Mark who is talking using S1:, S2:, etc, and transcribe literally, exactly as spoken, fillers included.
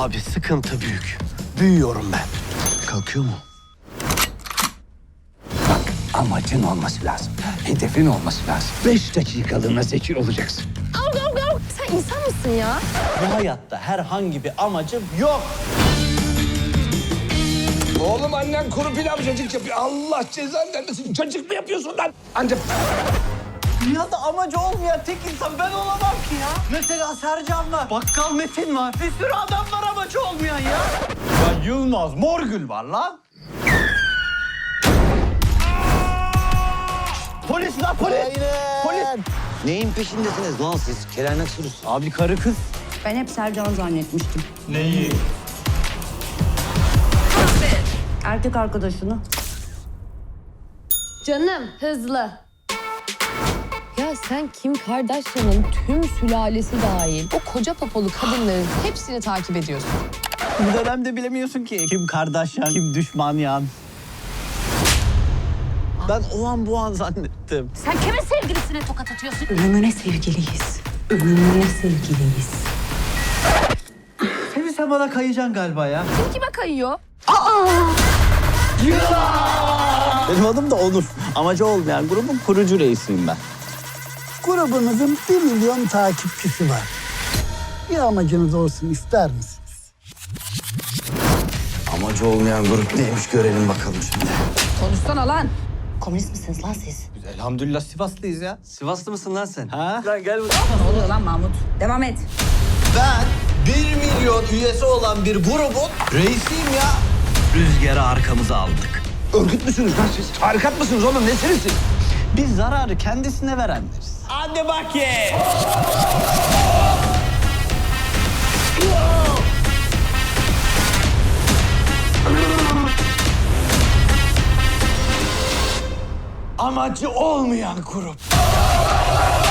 S1: Abi sıkıntı büyük. Büyüyorum ben. Kalkıyor mu?
S2: Amacın olması lazım. Hedefin olması lazım. Beş dakikalığına zeki olacaksın.
S3: Av av av. Sen insan mısın ya?
S1: Bu hayatta herhangi bir amacım yok.
S2: Oğlum annen kuru pilav cacık yapıyor. Allah cezanı vermesin. Cacık mı yapıyorsun lan? Ancak...
S1: Dünyada amacı olmayan tek insan ben olamam ki ya. Mesela Sercan var, Bakkal Metin var. Bir sürü adam var amacı olmayan ya. Ya Yılmaz Morgül var lan. Polis lan polis. Polis.
S4: Neyin peşindesiniz lan siz? Kerem Aksuruz.
S1: Abi karı kız.
S5: Ben hep Sercan zannetmiştim.
S1: Neyi?
S5: Erkek arkadaşını.
S3: Canım hızlı. Ya sen Kim Kardashian'ın tüm sülalesi dahil o koca popolu kadınların hepsini takip ediyorsun.
S1: Bu dönemde bilemiyorsun ki. Kim Kardashian, kim düşman yan. Ben o an bu an zannettim.
S5: Sen kimin sevgilisine tokat atıyorsun? Ölümüne sevgiliyiz. Ölümüne sevgiliyiz.
S1: Sevi sen bana kayacaksın galiba ya.
S3: Kim kime kayıyor?
S1: Benim adım da Onur. Amacı olmayan grubun kurucu reisiyim ben.
S6: Grubunuzun bir milyon takipçisi var. Bir amacınız olsun ister misiniz?
S4: Amacı olmayan grup neymiş görelim bakalım şimdi.
S5: Konuşsana lan. Komünist misiniz lan siz?
S1: Elhamdülillah Sivaslıyız ya.
S4: Sivaslı mısın lan sen?
S1: Ha? Lan gel buraya.
S5: Ne oluyor lan Mahmut? Devam et.
S1: Ben bir milyon üyesi olan bir grubun reisiyim ya. Rüzgarı arkamıza aldık.
S2: Örgüt müsünüz lan siz? Tarikat mısınız oğlum? Nesiniz siz?
S1: Biz zararı kendisine verenleriz. Hadi bakayım. Amacı olmayan grup.